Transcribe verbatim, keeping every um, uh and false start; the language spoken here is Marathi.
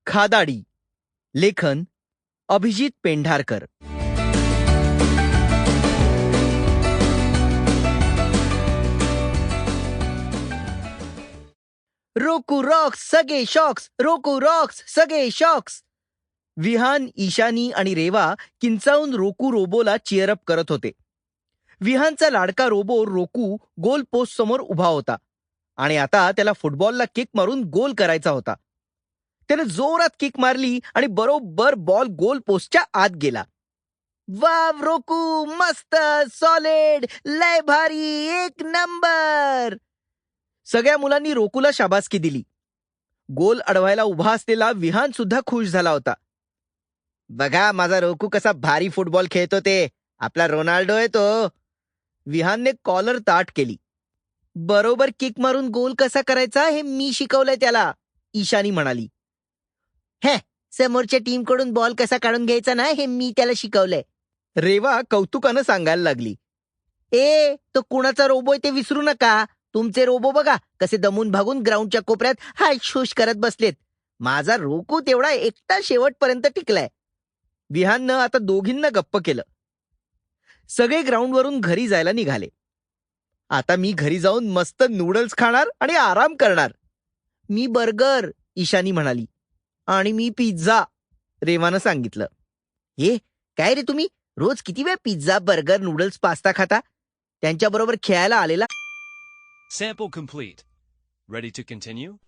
खादाडी. लेखन अभिजित पेंढारकर. रोकू रॉक्स सगळे शॉक्स, रोकू रॉक्स सगळे शॉक्स. विहान, ईशानी आणि रेवा किंचाळून रोकू रोबोला चिअरअप करत होते. विहानचा लाडका रोबो रोकू गोल पोस्ट समोर उभा होता आणि आता त्याला फुटबॉलला किक मारून गोल करायचा होता. त्याने जोरात किक मारली आणि बरोबर बॉल गोल पोस्टच्या आत गेला. वाव रोकू, मस्त, सॉलिड, लय भारी, एक नंबर. सगळ्या मुलांनी रोकूला शाबासकी दिली. गोल अडवायला उभा असलेला विहान सुद्धा खुश झाला होता. बघा माझा रोकू कसा भारी फुटबॉल खेळतो ते, आपला रोनाल्डो आहे तो. विहानने कॉलर ताट केली. बरोबर किक मारून गोल कसा करायचा हे मी शिकवलंय त्याला, ईशानी म्हणाली. हे, समोरच्या टीमकडून बॉल कसा काढून घ्यायचा ना हे मी त्याला शिकवलंय, रेवा कौतुकानं सांगायला लागली. ए, तो कुणाचा रोबो आहे ते विसरू नका. तुमचे रोबो बघा कसे दमून भागून ग्राउंडच्या कोपऱ्यात हाय शूश करत बसलेत. माझा रोकू तेवढा एकटा शेवटपर्यंत टिकलाय. विहाननं आता दोघींना गप्प केलं. सगळे ग्राउंडवरून घरी जायला निघाले. आता मी घरी जाऊन मस्त नूडल्स खाणार आणि आराम करणार. मी बर्गर, ईशानी म्हणाली. आणि मी पिझ्झा, रेवानं सांगितलं. हे काय रे, तुम्ही रोज किती वेळ पिझ्झा, बर्गर, नूडल्स, पास्ता खाता? त्यांच्याबरोबर खेळायला आलेला. Sample complete. Ready to continue?